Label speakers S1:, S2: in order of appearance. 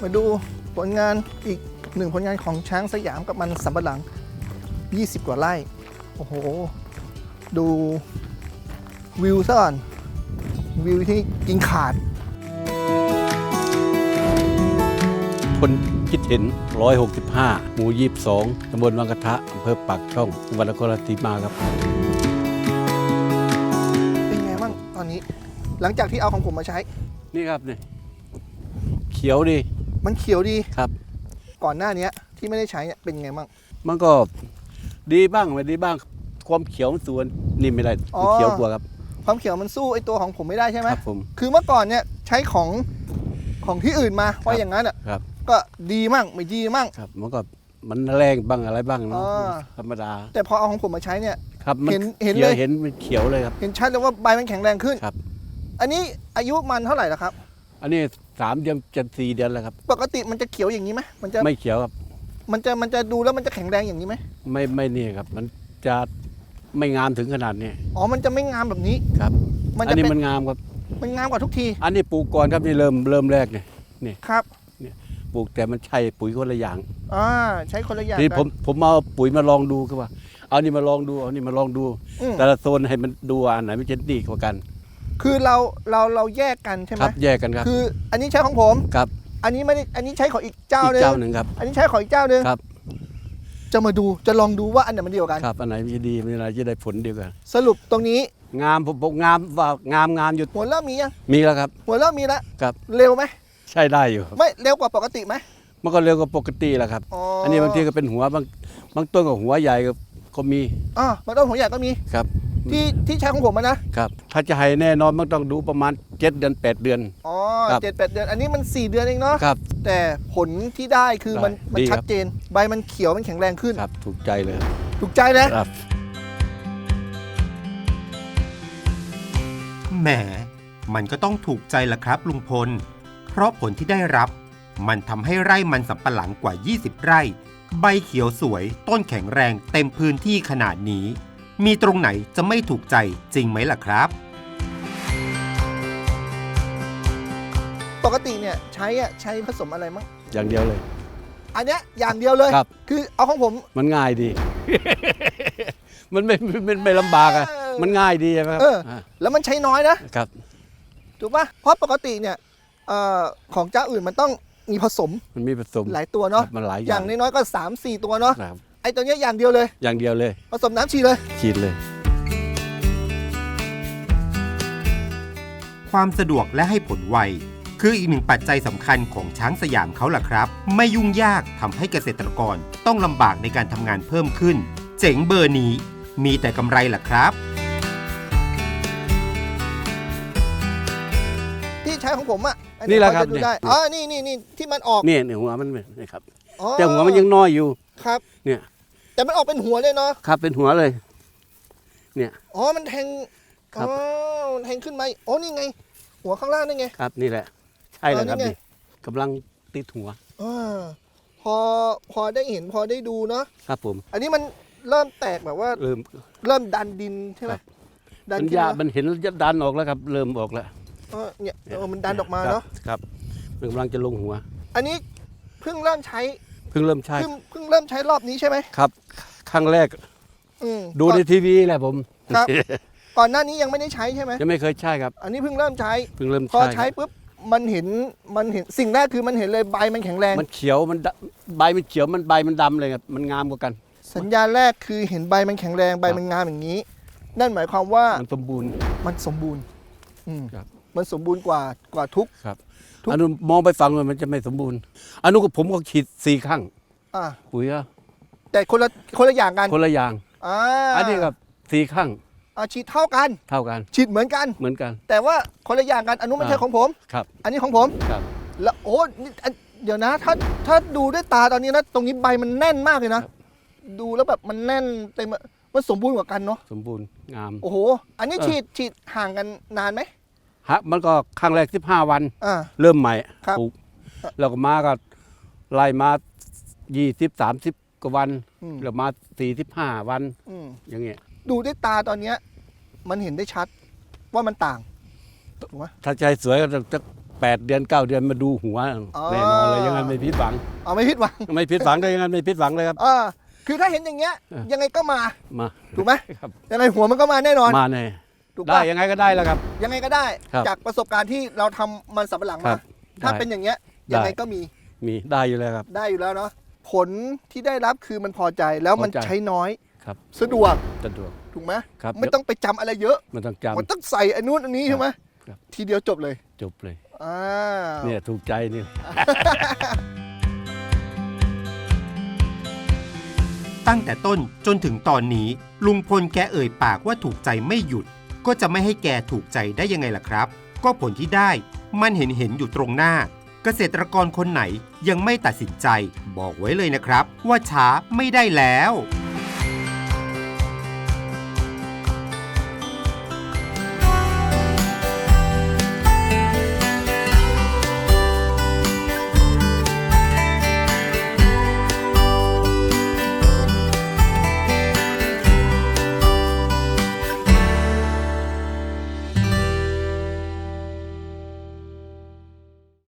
S1: มาดูผลงานอีกหนึ่งผลงานของช้างสยามกับมันสำปะหลัง20กว่าไร่โอ้โหดูวิวซะก่อนวิวที่กินขาด
S2: คนคิดเห็น165หมู่22ตำบลวังกระทะอำเภอปากช่องจังหวัดนครราชสีมาครับ
S1: เป็นไงบ้างตอนนี้หลังจากที่เอาของผมมาใช้
S2: นี่ครับนี่เขียวดี
S1: มันเขียวดี
S2: ครับ
S1: ก่อนหน้านี้ที่ไม่ได้ใช้เนี่ยเป็นไงบ้าง
S2: มันก็ดีบ้างไม่ดีบ้างความเขียวส่วนนี่ไม่ได้เขียวกว่าครับ
S1: ความเขียวมันสู้ไอตัวของผมไม่ได้ใช่ไหม
S2: ครับผม
S1: คือเมื่อก่อนเนี่ยใช้ของที่อื่นมาว่าอย่างนั้นอ่ะก็ดีมั่งไม่ดีมั่ง
S2: ครับมันก็มันแรงบ้างอะไรบ้างเนาะธรรมดา
S1: แต่พอเอาของผมมาใช้เนี่ย
S2: ครับเห็นเลยเห็นมันเขียวเลยครับ
S1: เห็นชัดเลยว่าใบมันแข็งแรงขึ้น
S2: ครับ
S1: อันนี้อายุมันเท่าไหร่แล้วครับ
S2: อันนี้3 เดือนจะ4 เดือนแล้วครับ
S1: ปกติมันจะเขียวอย่างนี้ไหมมันจะ
S2: ไม่เขียวครับ
S1: มันจะดูแล้วมันจะแข็งแรงอย่างนี้ไหม
S2: ไม่นี่ครับมันจะไม่งามถึงขนาดนี้
S1: อ๋อมันจะไม่งามแบบนี้
S2: ครับอันนี้มันงามครับ
S1: มันงามกว่าทุกที
S2: อันนี้ปลูกก่อนครับนี่เริ่มแรกนี่
S1: ครับ
S2: เนี่ยปลูกแต่มันใช่ปุ๋ยคนละอย่าง
S1: ใช้คนละอย่าง
S2: นี่ผมเอาปุ๋ยมาลองดูคือว่าเอานี่มาลองดูเอานี่มาลองดูแต่ละโซนให้มันดูอันไหนมันจะดีกว่ากัน
S1: คือเราแยกกันใช่ไหม
S2: ครับแยกกันครับ
S1: คืออันนี้ใช้ของผม
S2: ครับ
S1: อันนี้ไม่ได้อันนี้ใช้ของอีกเจ้านึง
S2: ครับ
S1: อันนี้ใช้ของอีกเจ้านึง
S2: ครับ
S1: จะมาดูจะลองดูว่าอันไหนมันดีกว่ากัน
S2: ครับอันไหนจะดีอันไหนจะได้ผลดีกว่า
S1: สรุปตรงนี้
S2: งามผมงามว่างามอยู่
S1: หัวเริ่มมียัง
S2: มีแล้วครับ
S1: หัวเริ่มมีแล้ว
S2: ครับ
S1: เร็วไหม
S2: ใช่ได้อยู่
S1: ไม่เร็วกว่าปกติไหม
S2: มันก็เร็วกว่าปกติแหละครับอันนี้บางทีก็เป็นหัวบางต้นก็หัวใหญ่ก็มี
S1: บางต้นหัวใหญ่ก็มี
S2: ครับ
S1: ที่ใช้ของผมนะครับ
S2: ถ้าจะให้แน่นอนมันต้องดูประมาณ7 เดือน8 เดือน
S1: 7-8 เดือนอันนี้มัน4 เดือนเองเนาะ
S2: ครับ
S1: แต่ผลที่ได้คือมันชัดเจนใบมันเขียวมันแข็งแรงขึ้น
S2: ครับถูกใจเลย
S1: ถูกใจนะครับ
S3: แหมมันก็ต้องถูกใจละครับลุงพลเพราะผลที่ได้รับมันทำให้ไร่มันสำปะหลังกว่า20 ไร่ใบเขียวสวยต้นแข็งแรงเต็มพื้นที่ขนาดนี้มีตรงไหนจะไม่ถูกใจจริงไหมล่ะครับ
S1: ปกติเนี่ยใช้ผสมอะไรมั้ง
S2: อย่างเดียวเลย
S1: อันเนี้ยอย่างเดียวเลย
S2: ครับ
S1: คือเอาของผม
S2: มันง่ายดี มันไม่ลำบากอะมันง่ายดีใช่ไหมครับ
S1: แล้วมันใช้น้อยนะครับถูกป่ะเพราะปกติเนี่ยของเจ้าอื่นมันต้องมีผสม
S2: มันมีผสม
S1: หลายตัวเนาะ
S2: มันหลาย
S1: อย่างน้อยๆก็3-4 ตัวเนาะไอ้ตัวนี้อย่างเดียวเลยผสมน้ำฉีด
S2: เลย
S3: ความสะดวกและให้ผลไวคืออีกหนึ่งปัจจัยสำคัญของช้างสยามเขาล่ะครับไม่ยุ่งยากทำให้เกษตรกรต้องลำบากในการทำงานเพิ่มขึ้นเจ๋งเบอร์นี้มีแต่กำไรล่ะครับ
S1: ที่ใช้ของผม
S2: นี่แหละครับ
S1: นี่ที่มันออก
S2: นี่หัวมันนี่ครับแต่หัวมันยังน้อยอยู่
S1: ครับ
S2: เนี่ย
S1: แต่มันออกเป็นหัวเลยเนาะ
S2: ครับเป็นหัวเลยเนี่ย
S1: มันแทงมันแทงขึ้นมานี่ไงหัวข้างล่างนี่ไง
S2: ครับนี่แหละใช่เลยครับนี่กำลังติดหัว
S1: พอได้เห็นพอได้ดูเนาะ
S2: ครับผม
S1: อันนี้มันเริ่มแตกแบบว่าเริ่มดันดินใช่ไหม
S2: ดันมันเห็นจะดันออกแล้วครับเริ่มออกแล้ว
S1: เนี่ยมันดันออกมาเนาะ
S2: ครับมันกำลังจะลงหัว
S1: อันนี้เพิ่งเริ่มใช้
S2: เพิ่งเริ่มใช้
S1: รอบนี้ใช่ไหม
S2: ครับครั้งแรกดูในทีวีแหละผม
S1: ครับก่อนหน้านี้ยังไม่ได้ใช้ใช่ไหม
S2: ยังไม่เคยใช้ครับ
S1: อันนี้เพิ่งเริ่มใช้พอใช้ปุ๊บมันเห็นสิ่งแรกคือมันเห็นเลยใบมันแข็งแรง
S2: มันเขียวมันใบมันเขียวมันใบมันดำเลยครับมันงามกว่ากัน
S1: สัญญาณแรกคือเห็นใบมันแข็งแรงใบมันงามอย่างนี้นั่นหมายความว่า
S2: มันสมบูรณ์
S1: มันสมบูรณ์กว่าทุก
S2: ครับอันนู้นมองไปฟังมันจะไม่สมบูรณ์อันนู้นผมก็ฉีด4 ครั้งปุ๋ย
S1: แต่คนละอย่างกัน
S2: คนละอย่างอันนี้กับ4 ครั้ง
S1: ฉีดเท่ากันฉีดเหมือนกันแต่ว่าคนละอย่างกันอันนู้นไม่ใช่ของผม
S2: ครับ
S1: อันนี้ของผม
S2: ครับ
S1: แล้วเดี๋ยวนะถ้าดูด้วยตาตอนนี้นะตรงนี้ใบมันแน่นมากเลยนะดูแล้วแบบมันแน่นเต็มมันสมบูรณ์กว่ากันเนาะ
S2: สมบูรณ์งาม
S1: โอ้โหอันนี้ฉีดห่างกันนานไหม
S2: มันก็ครั้งแรก15 วันเริ่มใหม่ปลูกแล้วก็มาก็ไล่มา20-30 กว่าวันแล้วมา45 วันอย่างเงี้ย
S1: ดูด้วยตาตอนนี้มันเห็นได้ชัดว่ามันต่างถูกไหม
S2: ถ้าใจสวยก็จะ 8 เดือน 9 เดือนมาดูหัวแน่นอนเลยอยังงั้นไม่ผิดหวัง
S1: เอาไม่ผิดหวัง
S2: ไม่ผิดหวังเลยอยังงั้นไม่ผิดหวังเลยครับ
S1: คือถ้าเห็นอย่างเงี้ยยังไงก็มา
S2: มา
S1: ถูกไหม
S2: ครับ
S1: ยังไงหัวมันก็มาแน่นอน
S2: มาแน่
S1: ถูก
S2: ได้
S1: ปะ
S2: ยังไงก็ได้แล้วครับ
S1: ยังไงก็ได้
S2: ครับ
S1: จากประสบการณ์ที่เราทำมันสำปะหลัง
S2: ครั
S1: มา
S2: บ
S1: ถ้า
S2: ได้
S1: เป็นอย่างเงี้ย
S2: ได้
S1: ยังไงก็มี
S2: ได้อยู่แล้วครับ
S1: ได้อยู่แล้วเนาะผลที่ได้รับคือมันพอใจแล้วมัน
S2: พอใจ
S1: ใช้น้อย
S2: ครับ
S1: สะดวก
S2: สะดวก
S1: ถูกไหม
S2: ครับ
S1: ไม่ต้องไปจำอะไรเยอะ
S2: มันต้อง
S1: มัน
S2: จำ
S1: ต้องใส่อันนู้นอันนี้ใช่ไหม
S2: ครับ
S1: ทีเดียวจบเลย
S2: จบเลย
S1: อ่า
S2: เนี่ยถูกใจนี่
S3: ตั้งแต่ต้นจนถึงตอนนี้ลุงพลแกเอ่ยปากว่าถูกใจไม่หยุด ก็จะไม่ให้แกถูกใจได้ยังไงล่ะครับ ก็ผลที่ได้มันเห็นอยู่ตรงหน้า เกษตรกรคนไหนยังไม่ตัดสินใจ บอกไว้เลยนะครับ ว่าช้าไม่ได้แล้ว